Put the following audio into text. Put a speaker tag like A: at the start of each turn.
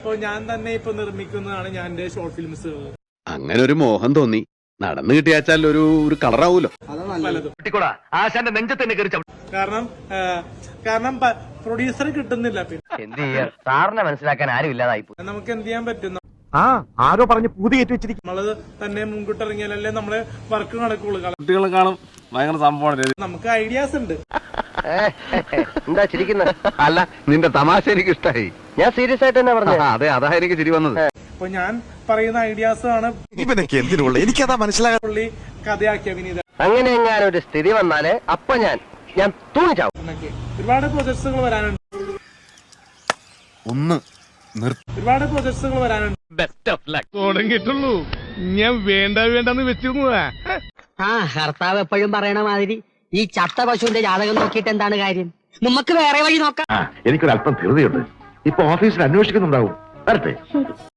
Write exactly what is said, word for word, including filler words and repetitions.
A: അപ്പൊ ഞാൻ തന്നെ ഇപ്പൊ നിർമ്മിക്കുന്നതാണ് ഞാൻ എന്റെ ഷോർട്ട് ഫിലിംസ്.
B: അങ്ങനെ ഒരു മോഹം തോന്നി നടന്നു കിട്ടിയാച്ചാൽ ഒരു ഒരു കളറാവൂലോ.
A: പലതും കാരണം കാരണം പ്രൊഡ്യൂസർ കിട്ടുന്നില്ല. പിന്നെ
C: സാറിനെ മനസ്സിലാക്കാൻ ആരും ഇല്ലാതായി
A: നമുക്ക് എന്ത് ചെയ്യാൻ പറ്റും?
D: ആ ആരോ പറഞ്ഞ് പൂതി കയറ്റി വെച്ചിരിക്കും.
A: നമ്മള് തന്നെ മുൻകൂട്ടി ഇറങ്ങിയാലല്ലേ നമ്മള് വർക്ക് നടക്കുള്ളൂ.
E: കുട്ടികളെ കാണും ഭയങ്കര സംഭവമാണ്.
A: നമുക്ക് ഐഡിയാസ് ഉണ്ട്.
C: എന്താ ചിരിക്കുന്നത്?
B: അല്ല നിന്റെ തമാശ എനിക്ക് ഇഷ്ടായി.
C: ഞാൻ സീരിയസ് ആയിട്ട് തന്നെ പറഞ്ഞു.
B: അതെ അതാ എനിക്ക് ചിരി വന്നത്.
A: അപ്പൊ ഞാൻ പറയുന്ന ഐഡിയാസ് ആണ്
D: ഇവനൊക്കെ എന്തിനുള്ള എനിക്കതാ മനസ്സിലാകാൻ.
A: പുള്ളി കഥയാക്കിയ വിനീത.
C: അങ്ങനെ എങ്ങാനും ഒരു സ്ഥിതി വന്നാല് അപ്പൊ ഞാൻ ഞാൻ തൂണിച്ചാവും.
A: ഒരുപാട് പ്രൊജക്ട്സുകൾ വരാനുണ്ട്.
D: ഒന്ന്
A: ഒരുപാട് പ്രൊജക്ട്സുകൾ വരാനുണ്ട്.
E: തുടങ്ങിയിട്ടുള്ളൂ. ഞാൻ വേണ്ട വേണ്ടെന്ന് വെച്ചിരുന്നതാ.
F: ആ ഭർത്താവ് എപ്പോഴും പറയണ മാതിരി ഈ ചത്ത പശുവിന്റെ ജാതകം നോക്കിയിട്ട് എന്താണ് കാര്യം? നമുക്ക് വേറെ വഴി നോക്കാം.
G: എനിക്കൊരല്പം ധൃതിയുണ്ട്. ഇപ്പൊ ഓഫീസിൽ അന്വേഷിക്കുന്നുണ്ടാവും. വരട്ടെ.